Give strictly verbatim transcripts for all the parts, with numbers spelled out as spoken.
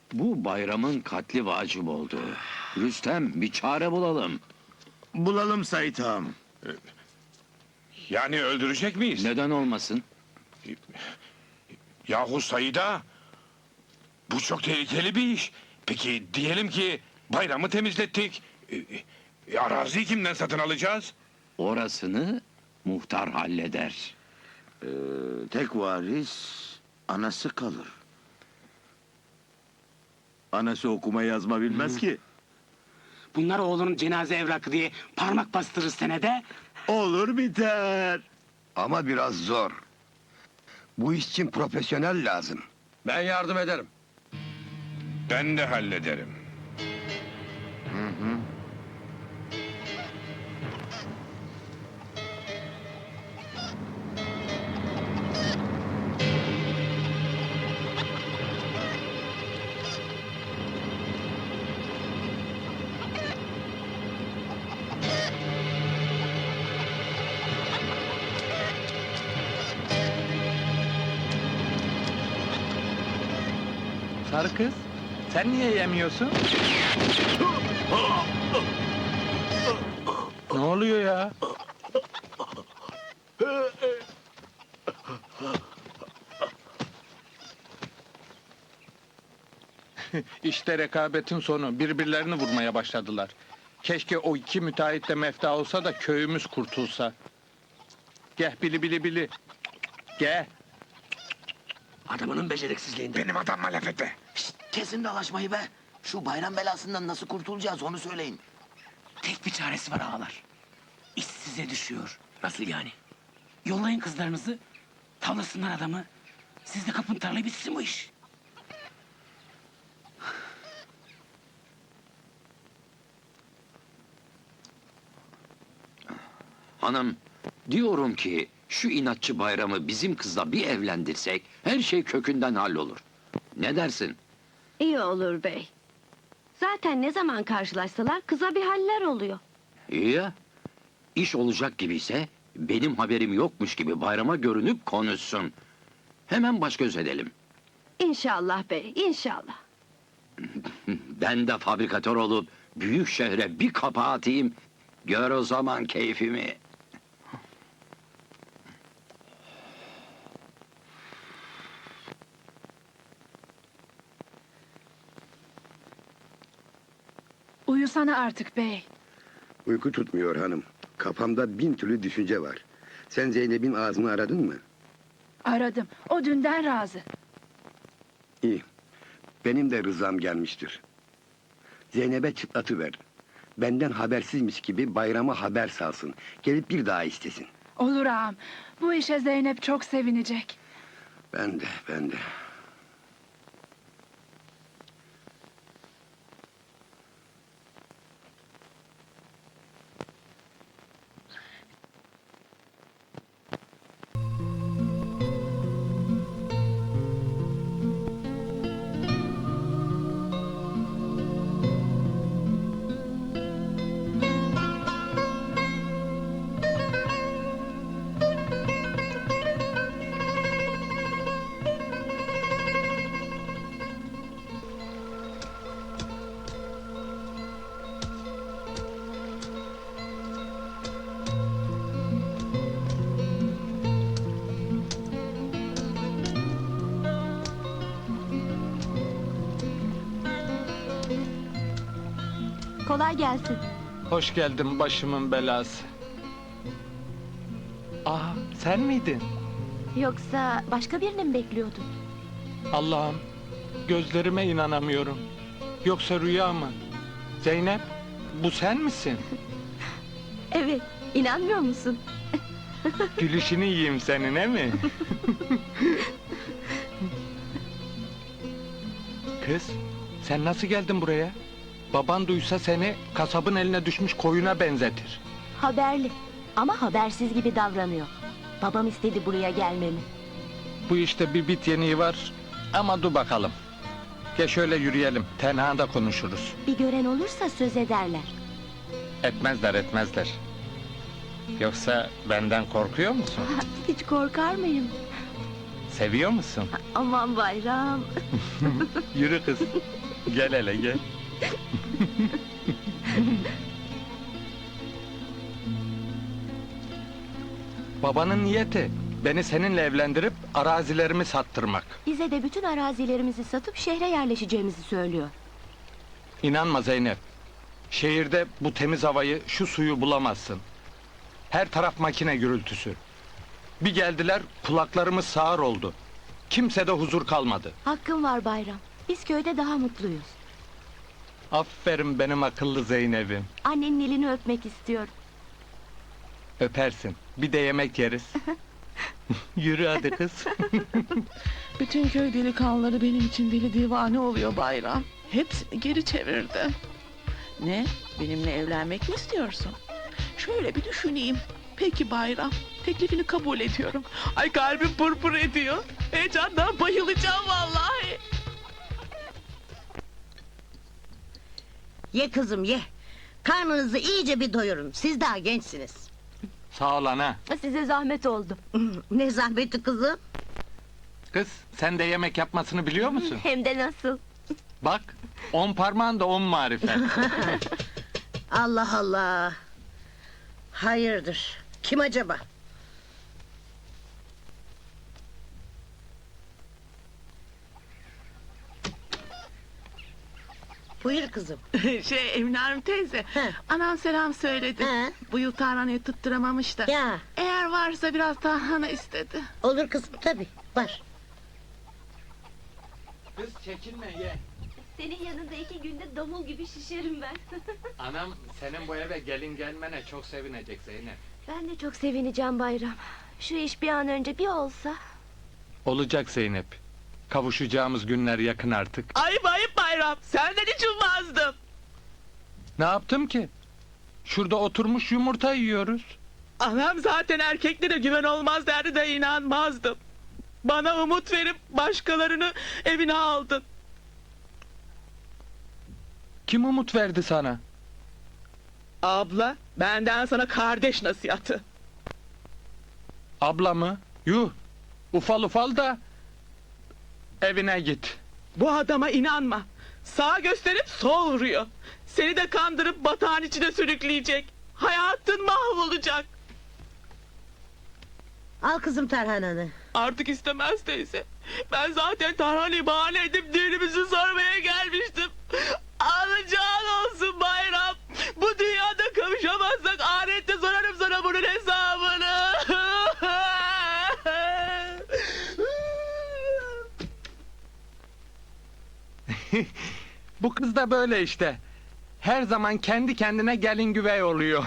Bu bayramın katli vacip oldu. Rüstem, bir çare bulalım. Bulalım Sait ağam. Yani öldürecek miyiz? Neden olmasın? Yahu Said'a, bu çok tehlikeli bir iş. Peki diyelim ki bayramı temizlettik. E, e, araziyi kimden satın alacağız? Orasını muhtar halleder. Ee, tek varis anası kalır. Anası okuma yazma bilmez ki. Bunlar oğlunun cenaze evrakı diye parmak bastırır senede. Olur biter. Ama biraz zor. Bu iş için profesyonel lazım. Ben yardım ederim. Ben de hallederim. Sarı kız, sen niye yemiyorsun? Ne oluyor ya? İşte rekabetin sonu. Birbirlerini vurmaya başladılar. Keşke o iki müteahhit de mefta olsa da köyümüz kurtulsa. Gel bili bili bili. Gel. Adamının beceriksizliğinden. Benim adamma laf etme. Şşt, kesin dalaşmayı be. Şu bayram belasından nasıl kurtulacağız onu söyleyin. Tek bir çaresi var ağalar. İş size düşüyor. Nasıl yani? Yollayın kızlarınızı, tavlasınlar adamı. Siz de kapın tarlayı bitsin bu iş. Hanım, diyorum ki şu inatçı bayramı bizim kızla bir evlendirsek her şey kökünden hallolur. Ne dersin? İyi olur bey. Zaten ne zaman karşılaşsalar kıza bir haller oluyor. İyi ya. İş olacak gibiyse benim haberim yokmuş gibi bayrama görünüp konuşsun. Hemen baş göz edelim. İnşallah bey, inşallah. Ben de fabrikatör olup büyük şehre bir kapağı atayım. Gör o zaman keyfimi. Uyusana artık bey. Uyku tutmuyor hanım. Kafamda bin türlü düşünce var. Sen Zeynep'in ağzını aradın mı? Aradım. O dünden razı. İyi. Benim de rızam gelmiştir. Zeynep'e çıtlatıver. Benden habersizmiş gibi bayrama haber salsın. Gelip bir daha istesin. Olur ağam. Bu işe Zeynep çok sevinecek. Ben de, ben de. Kolay gelsin. Hoş geldin başımın belası. Aa, sen miydin? Yoksa başka birini mi bekliyordun? Allah'ım, gözlerime inanamıyorum. Yoksa rüya mı? Zeynep, bu sen misin? Evet, inanmıyor musun? Gülüşünü yiyeyim senin, he mi? Kız, sen nasıl geldin buraya? Baban duysa seni kasabın eline düşmüş koyuna benzetir. Haberli ama habersiz gibi davranıyor. Babam istedi buraya gelmemi. Bu işte bir bit yeniği var ama dur bakalım. Gel şöyle yürüyelim, tenhada konuşuruz. Bir gören olursa söz ederler. Etmezler, etmezler. Yoksa benden korkuyor musun? Hiç korkar mıyım? Seviyor musun? Aman bayram. Yürü kız. Gel hele gel. Babanın niyeti beni seninle evlendirip arazilerimi sattırmak. Bize de bütün arazilerimizi satıp şehre yerleşeceğimizi söylüyor. İnanma Zeynep. Şehirde bu temiz havayı, şu suyu bulamazsın. Her taraf makine gürültüsü. Bir geldiler, kulaklarımız sağır oldu. Kimsede huzur kalmadı. Hakkın var bayram. Biz köyde daha mutluyuz. Aferin benim akıllı Zeynep'im. Annenin elini öpmek istiyorum. Öpersin. Bir de yemek yeriz. Yürü hadi kız. Bütün köy delikanlıları benim için deli divane oluyor Bayram. Hepsini geri çevirdi. Ne? Benimle evlenmek mi istiyorsun? Şöyle bir düşüneyim. Peki Bayram, teklifini kabul ediyorum. Ay kalbim pırpır ediyor. Heyecandan bayılacağım vallahi. Ye kızım ye. Karnınızı iyice bir doyurun. Siz daha gençsiniz. Sağ ol ana. Size zahmet oldu. Ne zahmeti kızım. Kız, sen de yemek yapmasını biliyor musun? Hem de nasıl? Bak, on parmağın da on marifet. Allah Allah. Hayırdır? Kim acaba? Buyur kızım. Şey Emine Hanım teyze, He. anam selam söyledi. He. Bu yıl tarhanayı tutturamamış da. Ya Eğer varsa biraz tarhana istedi. olur kızım tabii var. Kız çekinme ye. Senin yanında iki günde domul gibi şişerim ben. Anam senin bu eve gelin gelmene çok sevinecek Zeynep. Ben de çok sevineceğim bayram. Şu iş bir an önce bir olsa. Olacak Zeynep. Kavuşacağımız günler yakın artık. Ayıp ayıp Bayram, senden hiç ummazdım. Ne yaptım ki? Şurada oturmuş yumurta yiyoruz. Anam zaten erkeklere güven olmaz derdi de inanmazdım. Bana umut verip başkalarını evine aldın. Kim umut verdi sana? Abla, benden sana kardeş nasihatı. Abla mı? Yuh! Ufal ufal da evine git. Bu adama inanma. Sağ gösterip sol vuruyor. Seni de kandırıp batağın içine sürükleyecek. Hayatın mahvolacak. Al kızım tarhananı. Artık istemez teyze. Ben zaten tarhanayı bahane edip düğünümüzü sormaya gelmiştim. Alacağın olsun Bayram. Bu dünyada kavuşamazsak ahirette sorarım sana bunun hesabını. Bu kız da böyle işte. Her zaman kendi kendine gelin güvey oluyor.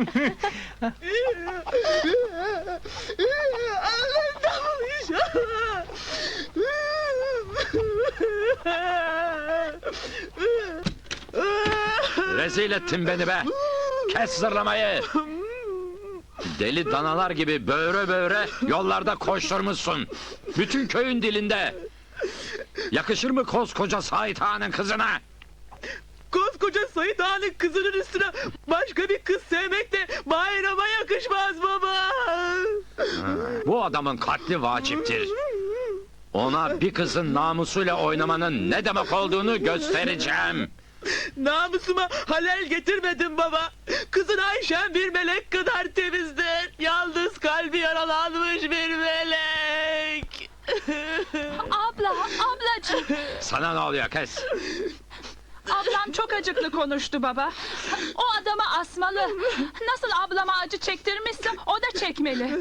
Rezil ettin beni be! Kes zırlamayı! Deli danalar gibi böğre böğre yollarda koşturmuşsun. Bütün köyün dilinde. Yakışır mı koskoca Sait Ağa'nın kızına? Koskoca Sait Ağa'nın kızının üstüne başka bir kız sevmek de Bayrama yakışmaz baba. Bu adamın katli vaciptir. Ona bir kızın namusuyla oynamanın ne demek olduğunu göstereceğim. Namusuma halel getirmedim baba. Kızın Ayşen bir melek kadar temizdir. Yalnız kalbi yaralanmış bir melek. Abla, ablacığım. Sana ne oluyor kes? Ablam çok acıklı konuştu baba. O adamı asmalı. Nasıl ablama acı çektirmişse o da çekmeli.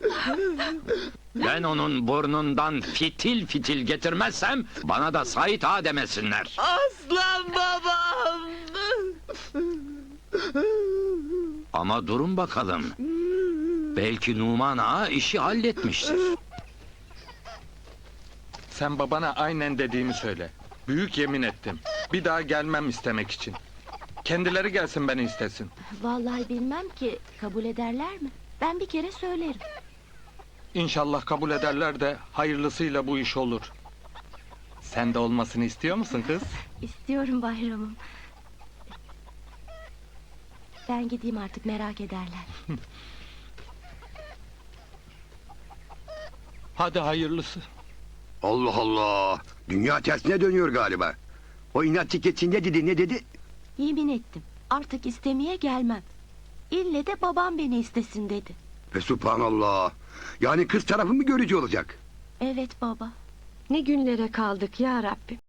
Ben onun burnundan fitil fitil getirmezsem bana da Sait Ağa demesinler. Aslan babam. Ama durun bakalım. Belki Numan Ağa işi halletmiştir. Sen babana aynen dediğimi söyle. Büyük yemin ettim. Bir daha gelmem istemek için. Kendileri gelsin beni istesin. Vallahi bilmem ki kabul ederler mi? Ben bir kere söylerim. İnşallah kabul ederler de hayırlısıyla bu iş olur. Sen de olmasını istiyor musun kız? İstiyorum bayramım. Ben gideyim artık merak ederler. Hadi hayırlısı. Allah Allah. Dünya tersine dönüyor galiba. O inatçı keçi ne dedi ne dedi? Yemin ettim. Artık istemeye gelmem. İlle de babam beni istesin dedi. Ve subhanallah. Yani kız tarafı mı görücü olacak? Evet baba. Ne günlere kaldık ya Rabbim.